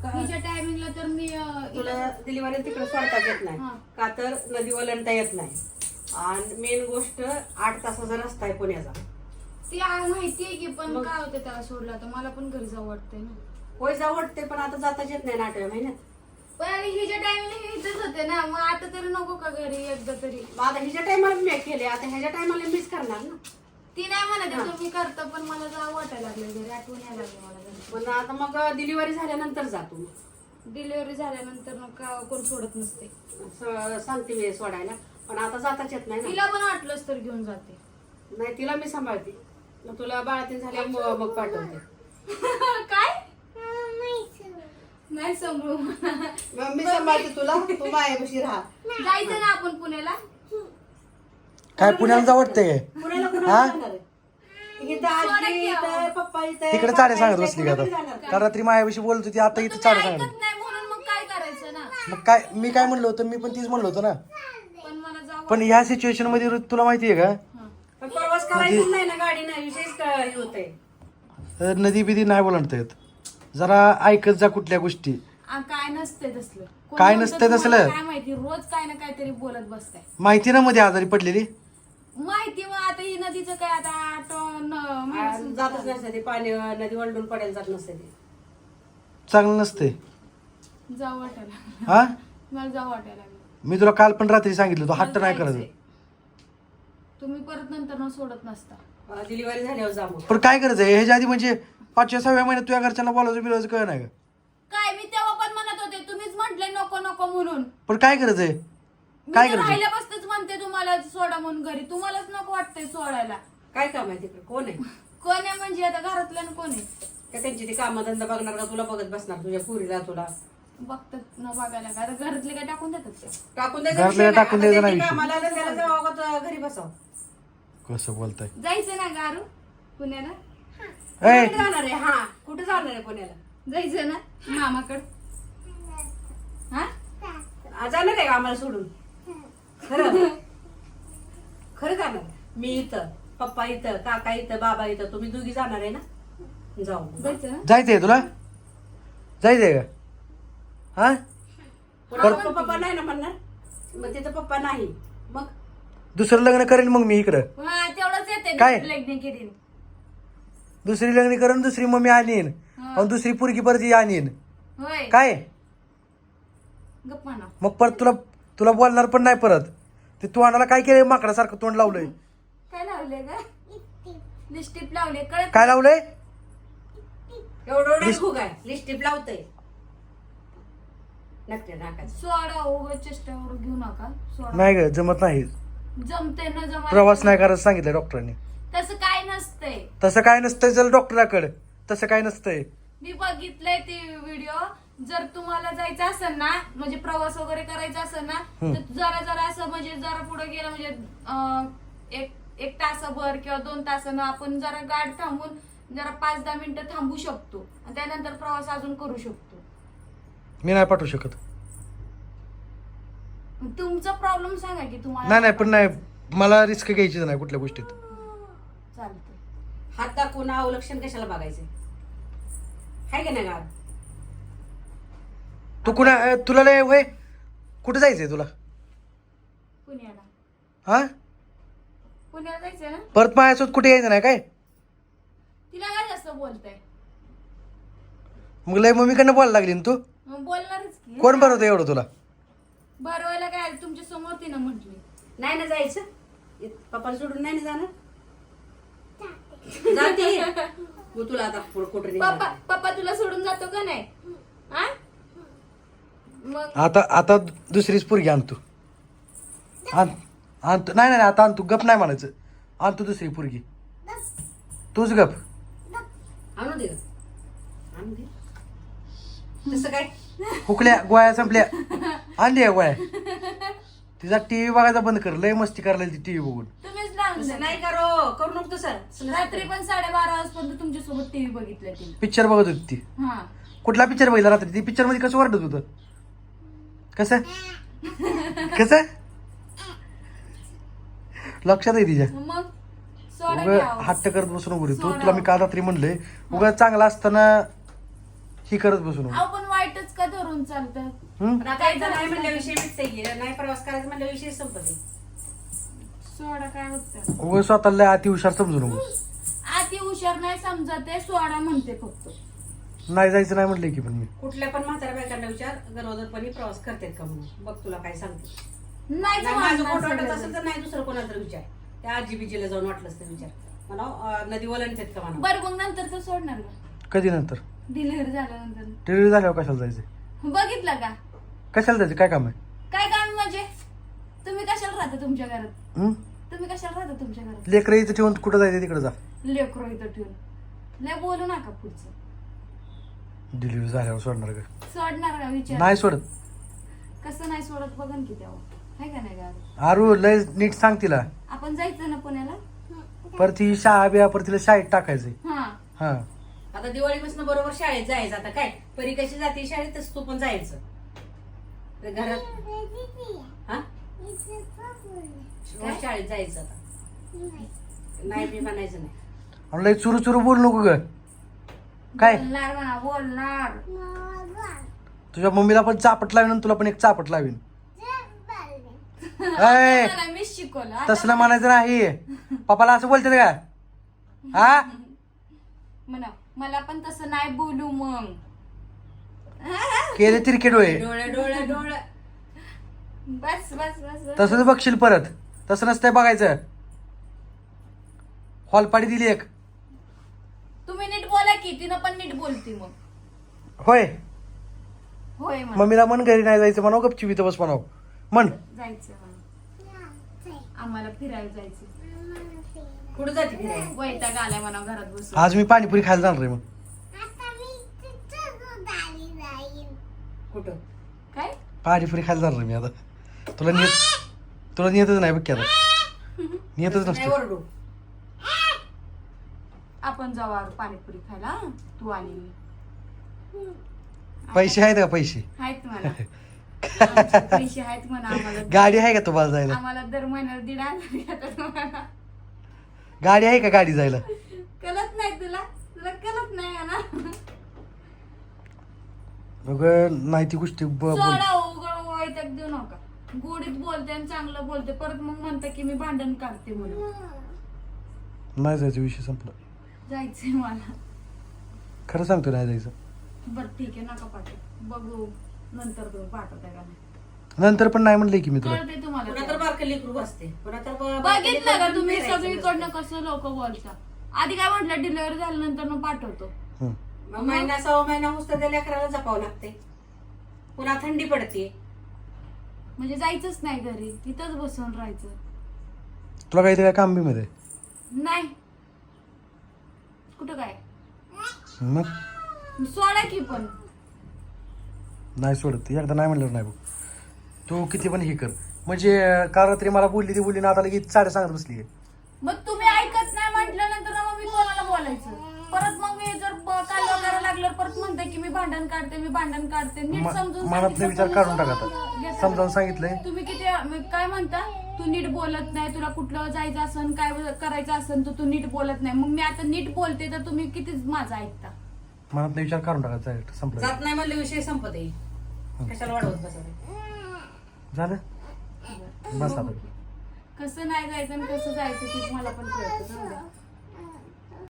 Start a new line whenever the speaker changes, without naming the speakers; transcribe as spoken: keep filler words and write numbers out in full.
हिच्या टायमिंगला तर मी
तुला डिलिव्हरी तिकडे सोडताच येत नाही का तर नदी ओलांडता येत नाही आणि मेन गोष्ट आठ तासाचा रस्ता आहे पुण्याचा.
ती माहितीये की पण काय होतं त्याला सोडला तर मला पण घरी जाऊ वाटतंय ना.
होय जाऊ वाटते पण आता जाताच येत नाही ना आठव्या महिन्यात.
पण हिच्या टायमिंगला इथेच होते ना मग आता तरी नको का घरी एकदा तरी.
मग आता हिच्या टायमाला मी केले आता ह्याच्या टायमाला मीच करणार ना.
ती नाही म्हणत तुम्ही करता पण मला जाऊ वाटायला लागले घरी आठवण यायला लागले मला घरी.
पण आता मग डिलिव्हरी झाल्यानंतर जातो.
डिलिव्हरी झाल्यानंतर मग का कोण सोडत नसते.
स- सांगते मी सोडायला पण आता जाताच येत नाही ना.
तिला पण वाटलंच तर घेऊन जाते.
नाही तिला मी सांभाळते मग तुला बाळातीन झाल्या मग मग पाठवते.
काय नाही समजू.
मग मी सांभाळते तुला तू मायापाशी राहा.
जायचं ना आपण पुण्याला.
काय पुण्याला जाऊ वाटतंय
पुण्याला कुणाला जाणार आहे? इथं आजी इथं पप्पा इथं
तिकडे चाडे सांगत बसली का आता? काल रात्री मायाविषयी बोलत होती आता इथं चाडे सांगत.
ऐकत नाही म्हणून मग काय करायचं ना.
मग काय मी काय म्हणलो होतं मी पण तीच म्हणलो होतो ना.
पण मला जाऊ.
पण ह्या सिच्युएशन मध्ये तुला माहितीये का
पण प्रवास करायचा नाही ना गाडी नाही विशेष हे होतंय.
तर नदी बिदी नाही बोलणता येत. जरा ऐकत जा कुठल्या गोष्टी.
आ, काय नसते तसलं. कोण
काय
म्हणतं
नसतंय
तुम्हाला
तसलं?
काय माहिती रोज काय ना काहीतरी बोलत बसताय.
माहिती ना मध्ये आजारी पडलेली.
माहिती मग आता ही नदीचं काय आता आठ न-
आ, जातच नसते ते पाणी नदी वळडून पडायला जात नसते ते.
चांगलं नसते.
जाऊ वाटायला
हा
मला जाऊ वाटायला लागलं.
मी तुला काल पण रात्री सांगितलं तो हट्ट नाही
जायचंय.
करायचं.
तुम्ही परत नंतर न सोडत नसता.
डिलिव्हरी झाल्यावर जा मग.
पण काय करायचं ह्याच्या आधी म्हणजे पाचव्या सहाव्या महिन्यात तुझ्या घरच्यांना बोलायचं बिलायचं कळ नाही का?
काय मी तेव्हा पण म्हणत होते तुम्हीच म्हटले नको नको म्हणून.
पण काय करायचंय
मी
काय
तर
करायचं?
राहिल्यापासूनच म्हणते तुम्हाला सोडा म्हणून घरी. तुम्हालाच नको वाटतंय सोडायला.
काय काम आहे तिकडे कोण आहे
कोण आहे म्हणजे आता घरातल्या कोण आहे.
का त्यांची ती कामधंदा बघणार का तुला बघत बसणार तुझ्या पुरीला तुला
बघतात न बघायला का आता घरातले काय टाकून देतात का.
टाकून द्यायचं
घरातल्या
विषय नाही.
टाकून
आता
द्यायचं
त्यांची
नाही
कामाला आलं त्याला जावं का घरी बसावं.
कसं बोलताय
जायचं ना गारू पुण्याला.
ए
कुठे जाणार आहे हा कुठे जाणार आहे पुण्याला.
जायचं ना मामाकड. हा
आ, जाणार आहे का आम्हाला सोडून खरं खरं जाणार मी इथं पप्पा इथं काका इथं बाबा इथं तुम्ही दोघी जाणार आहे ना जाऊ मग.
जायचं ना.
जायचंय तुला जायचंय का हा
पुन्हा पप्पा नाही ना म्हणणार मग तिथं पप्पा नाही मग
दुसरं लग्न करेन मग मी इकडं.
हा तेवढंच येते
काय?
लग्न केली.
दुसरी लग्न करून दुसरी मम्मी आणीन आणि दुसरी पुरगी परत आणीन
होय
काय
गप्पा ना.
मग परत तुला तुला बोलणार पण नाही परत. ते तोंडाला काय केलंय माकडासारखं तोंड लावलंय.
काय लावले का लिस्टिप लावले कळत.
काय लावलंय
एवढं एवढं खूप आहे लिस्टिप लावतंय नक्की नाकाच.
सोडा उगा चेष्टावर घेऊ नका. सोडा
नाही ग जमत नाही.
जमते ना जमा.
प्रवास नाही करायचं सांगितलं डॉक्टरांनी.
तसं काय नसतंय.
तसं काय नसतंय चल डॉक्टराकडे. तसं काय नसतंय.
मी बघितलंय ते व्हिडिओ. जर तुम्हाला जायचं असेल ना म्हणजे प्रवास वगैरे करायचा असेल ना तर जरा जरा असं म्हणजे जरा पुढे गेलं म्हणजे अं, एक एक तासभर किंवा दोन तासानं आपण जरा गाडी थांबून जरा पाच दहा मिनिटं थांबू शकतो आणि त्यानंतर प्रवास अजून करू शकतो.
मी नाही पाठवू शकत.
तुमचा प्रॉब्लेम सांगा की तुम्हाला.
नाही नाही पण नाही मला रिस्क घ्यायची नाही कुठल्या गोष्टीत.
चालतंय.
हात दाखवून अवलक्षण कशाला बघायचे हाय का नाही गाव.
तू कुणा अ, तुला लय वय कुठे जायचंय तुला
पुण्याला.
हा
पुण्याला जायचं ना.
परत माझ्यासोबत कुठे यायचं नाही काय.
तिला काय जास्त बोलताय.
मग लय मम्मीकडनं बोलायला लागली ना तू.
मग बोलणारच की.
कोण बनवतं एवढं तुला.
बरवायला काय तुमच्या समोर तिनं म्हटली.
नाही ना जायचं पप्पा सोडून नाही ना जाणार जाते मग तुला आता पुढं कुठं
पप्पा
निघालं?
पप्पा तुला सोडून जातो का नाही. हा मग
आता आता दुसरीच पोरगी आणतो. आण आणतो नाही नाही आता आणतो गप नाही म्हणायचं. आणतो दुसरी पोरगी तूच गप.
आणू दे आणू दे तसं काय
हुकल्या गोळ्या संपल्या आणली गोळ्या. तिचा टीव्ही बघायचा बंद कर. लय मस्ती करायला ती टीव्ही बघून.
तुम्हीच लावून
तसं
द्या.
नाही करो करू नको तसं
रात्री पण साडेबारा वाजपर्यंत तुमच्या सोबत टीव्ही बघितलं तिने.
पिक्चर बघत होती ती.
हा
कुठला पिक्चर बघितला रात्री. ती पिक्चर मध्ये कसं वाटत होतं कसं कसं लक्षात आहे तिच्या.
मग सोडा
उगा
घ्यावं.
हट्ट करत बसून नको रे तू.
सोडा.
तुला मी काल रात्री म्हणले उगा चांगला असताना ही करत बसून
अहो पण वाईट करून चालतं.
हम्म?
पण आता एकदा नाही म्हणल्याविषयी मिटते गेलं, नाही प्रवास करायचा म्हणल्याविषयी संपते.
सोडा काय होतं
उगाच स्वतःला अति हुशार समजू नको.
आती हुशार नाही समजत आहे, सोडा म्हणते फक्त.
नाही जायचं नाही म्हटलंय की पण मी.
कुठल्या पण म्हाताऱ्या बायकांना विचार गरोदरपणी प्रवास करतात का म्हणून, बघ तुला काय सांगते.
नाहीच
नाही माझं
म्हणणार
पोट वाटत
सगळेजण.
असेल तर नाही दुसरं कोणाला तर विचार. त्या आजी बिजीला जाऊन वाटलंच तर विचार म्हणा, अं, नदी ओलांडतात का म्हणा.
बरं मग नंतर तर सोडणार का
कधी नंतर
डिलिव्हरी झाल्यानंतर?
डिलिव्हरी झाल्यावर कशाला जायचं?
बघितलं का
कशाला जायचं? काय काम आहे?
काय काम म्हणजे? तुम्ही कशाला राहता तुमच्या घरात?
हम्म?
तुम्ही कशाला राहता तुमच्या घरात?
लेकरं इथं ठेवून कुठं जायचं तिकडे जा.
लेकरो इथं ठेवून लय बोलू नका पुढचं.
डिलिव्हरी झाल्यावर सोडणार का?
सोडणार का विचार?
नाही सोडत.
कसं नाही सोडत बघन की तेव्हा, आहे का नाही गाडी?
आरू लय नीट सांग तिला.
आपण जायचं ना पुण्याला.
परत ती शाळा बिया परत तिला शाळेत टाकायचंय.
हा
हा
आता दिवाळीपासून बरोबर शाळेत जायचं. आता काय परी कशी जाते शाळेत तसं तू पण जायचं. तर घरात हा रोज शाळेत जायचं. आता नाही मी म्हणायचं नाही.
आणि लय चुरू चुरू बोल नको ग. काय
बोलणार म्हणा बोलणार.
तुझ्या मम्मीला पण चापट लावीन आणि तुला पण एक चापट लावीन. ऐ,
मला मीच शिकवलं आता
तसलं म्हणायचं नाही. पप्पाला असं बोलते का? हा
म्हणा मला पण तसं नाही बोलू मग.
केले तिरके डोळे.
डोळे डोळे डोळे
बस बस बस बस.
तसंच बघशील परत. तसं नसतंय बघायचं. हॉलपाडी दिली एक.
तुम्ही नीट बोला की तिनं पण नीट बोलती मग.
होय
होय म्हणा.
मम्मीला मन घरी नाही जायचं म्हणाव, गपची इथं बस म्हणाव. म्हण
जायचं म्हणा. आम्हाला फिरायला जायचं.
कुठं जाते फिरायला?
वैताग आलाय म्हणा घरात बसून.
आज मी पाणीपुरी खायला जाणार आहे. मग
कुठं?
काय
पाणीपुरी खायला जाणार आहे मी आता. तुला नियत तुला नियतच नाही बघ की आता. नियतच
नाही
नसतो.
ओरडू.
आपण जाऊ आज पाणीपुरी खायला हं? तू आणि मी.
पैसे आहेत का? पैसे
आहेत म्हणा. आमचे पैसे आहेत म्हणा आम्हाला.
गाडी आहे का तुम्हाला जायला?
आम्हाला दर महिन्याला दीड हजार येतात म्हणा.
गाडी आहे का गाडी जायला?
कळत नाही तुला तुला कळत नाही आहे ना.
बघ नाही ती गोष्टी ब- बोल.
सोडा उघड वैताग देऊ नका. गोडीत बोलते आणि चांगलं बोलते, परत मग म्हणते की मी भांडण काढते म्हणून.
नाही जायचं, विषय संपला.
जायचंय मला.
खरं सांगतो नाही जायचं.
बर ठीक आहे नका पाठव. बघू नंतर तुम्ही पाठवताय का नाही.
नंतर पण नाही म्हणलंय की मी तुला.
कळते
पुन्हा तर
तुम्हाला.
बारकं लेकरू बसते. पुन्हा तर ब-
बघितलं का तुम्ही
फिरायचं
सगळीकडनं
नसतं.
कसं लोक बोलता. आधी काय म्हटलं डिलिव्हरी झाल्यानंतर मग पाठवतो.
हं.
मग महिना सहा महिना होतं त्या लेकराला जपावं लागते. पुन्हा थंडी पडते.
म्हणजे जायचंच नाही घरी, इथंच बसून राहायचं.
तुला काही काय काम बी मध्ये
नाही कुठं काय
मग
सोडा की पण.
नाही सोडत. एकदा नाही म्हणलं नाही बघ. तू किती पण हे कर. म्हणजे काल रात्री मला बोलली ती बोलली ना, आता लगेच साडे सांगत बसली.
मग तुम्ही ऐकत नाही म्हटल्यानंतर मग मी कोणाला बोलायचं परत. मग मी जर काल करायला लागलं परत म्हणते की मी भांडण काढते मी भांडण काढते. नीट
म-
समजून
मनातले
सांगितलं
विचार
तर
काढून
मग
टाक आता.
घेता.
समजावून सांगितलंय.
तुम्ही किती मी काय म्हणता, तू नीट बोलत नाही, तुला कुठलं जायचं असन काय करायचं असन तर तू नीट बोलत नाही. मग मी आता नीट बोलते तर तुम्ही कितीच माझं ऐकता.
मनातले विचार काढून टाकायचा. संपलं
जात नाही म्हणले विषय संपत आहे. कशाला वाढवत बसत.
झालं. बस आता.
कसं नाही जायचं आणि कसं जायचं ते मला पण कळतं.